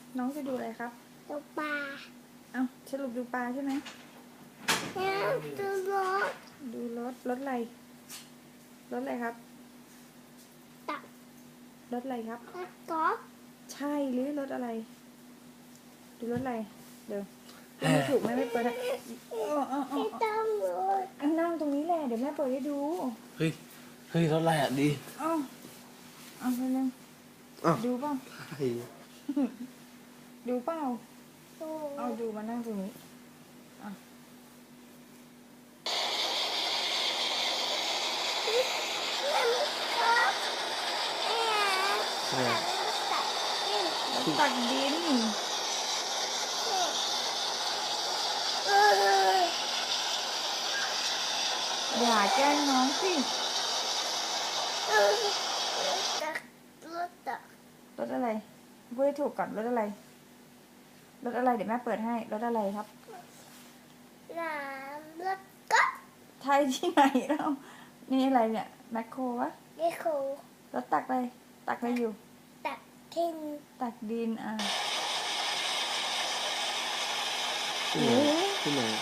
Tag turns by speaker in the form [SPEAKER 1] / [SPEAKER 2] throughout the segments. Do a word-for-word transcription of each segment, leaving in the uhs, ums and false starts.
[SPEAKER 1] น้องจะดูอะไรครับ
[SPEAKER 2] ดูปลา
[SPEAKER 1] เอ้าสรุปดูปลาใช่ไหม
[SPEAKER 2] แล้วดูรถ
[SPEAKER 1] ดูรถรถอะไรรถอะไรครับ
[SPEAKER 2] ตัก
[SPEAKER 1] รถอะไรครับ
[SPEAKER 2] รถกอล์ฟ
[SPEAKER 1] ใช่หรือรถอะไร ดูรถอะไรเดี๋ยวไม่ถูกแม่ไม่เปิดนะอ๋ออ๋ออ๋
[SPEAKER 2] ไม่ต้องเลย
[SPEAKER 1] อนั่งตรงนี้แหละเดี๋ยวแม่เปิดให้ดู
[SPEAKER 3] เฮ้ย เฮ้ยรถอะไรอ่ะดี
[SPEAKER 1] เอ้าเอาไปเลย
[SPEAKER 3] อ้าว
[SPEAKER 1] ดูเปล่า
[SPEAKER 3] ใช่
[SPEAKER 1] ดูเปล่า
[SPEAKER 2] ดู
[SPEAKER 1] เอาดูมานั่งตรงนี้อ่ะ
[SPEAKER 3] ใช่
[SPEAKER 1] รถตักดินอย่าแกล้งน้องสิ
[SPEAKER 2] ตักรถตัก
[SPEAKER 1] รถอะไรพูดให้ถูกก่อนรถอะไรรถอะไรเดี๋ยวแม่เปิดให้รถอะไรครับ
[SPEAKER 2] น้ำรถกอล์ฟ
[SPEAKER 1] ไทยที่ไหนเรานี่อะไรเนี่ยแมคโครวะ
[SPEAKER 2] นี่คือ
[SPEAKER 1] รถตักอะไรตักอะไรอยู่
[SPEAKER 2] ตักทิ้ง
[SPEAKER 1] ตักดินอ่ะ
[SPEAKER 3] ที่ไหนที่ไหน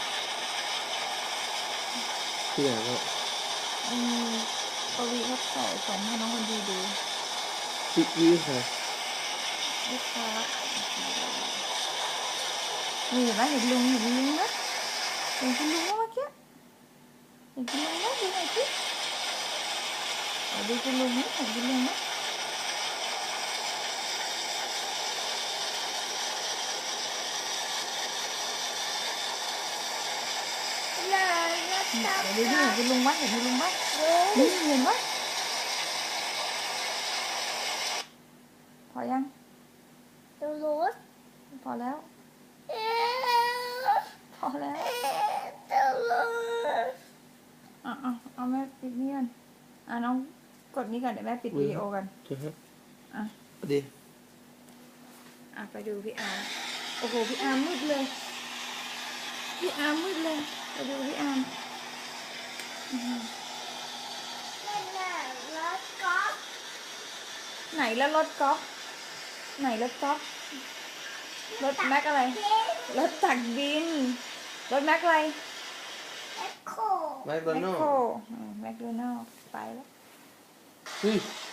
[SPEAKER 3] ที่ไหนก็
[SPEAKER 1] อืมปวีเขาใส่ส่งให้น้องคนดีดู
[SPEAKER 3] พี่ยี่ค่ะ
[SPEAKER 1] ลูกค้านี่เห็นไหมเห็นลุงเห็นลุงนะเห็นคุณลุงเมื่อกี้เห็นคุณลุงนะดูหน่อยสิเอาดูคุณลุงนะเห็นคุณลุงนะ
[SPEAKER 2] น้ำรถตัก
[SPEAKER 1] เดี๋ยวดูดิเห็นคุณลุงไหมเห็นคุณลุงไหม
[SPEAKER 2] ดู
[SPEAKER 1] นี่เห็นไหมพอยัง
[SPEAKER 2] ดูรถ
[SPEAKER 1] พอแล้ว
[SPEAKER 2] เอ๊ะ
[SPEAKER 1] พอแล้ว
[SPEAKER 2] ดูรถ
[SPEAKER 1] อ่ะอ่ะเอาแม่ปิดนี่กันอ่ะน้องกดนี้ก่อนเดี๋ยวแม่ปิดวิดีโอกัน
[SPEAKER 3] ใช่ฮะ
[SPEAKER 1] อ่ะ
[SPEAKER 3] ดี
[SPEAKER 1] อ่ะไปดูพี่อาร์มโอ้โหพี่อาร์มมืดเลยพี่อาร์มมืดเลยไปดูพี่อาร์มอื้อหือ
[SPEAKER 2] นั่นน่ะรถกอล์ฟ
[SPEAKER 1] ไหนแล้วรถกอล์ฟไหนรถกอล์ฟรถแม็กอะไร
[SPEAKER 2] ทิ้ง
[SPEAKER 1] รถตักดินรถแม็กอะไร
[SPEAKER 2] แอคโค
[SPEAKER 3] ไมค์โด
[SPEAKER 1] แมค
[SPEAKER 3] นัล
[SPEAKER 1] โคร
[SPEAKER 3] ด์
[SPEAKER 1] แมคโดนัลด์ไปแล้ว
[SPEAKER 3] เฮ้ย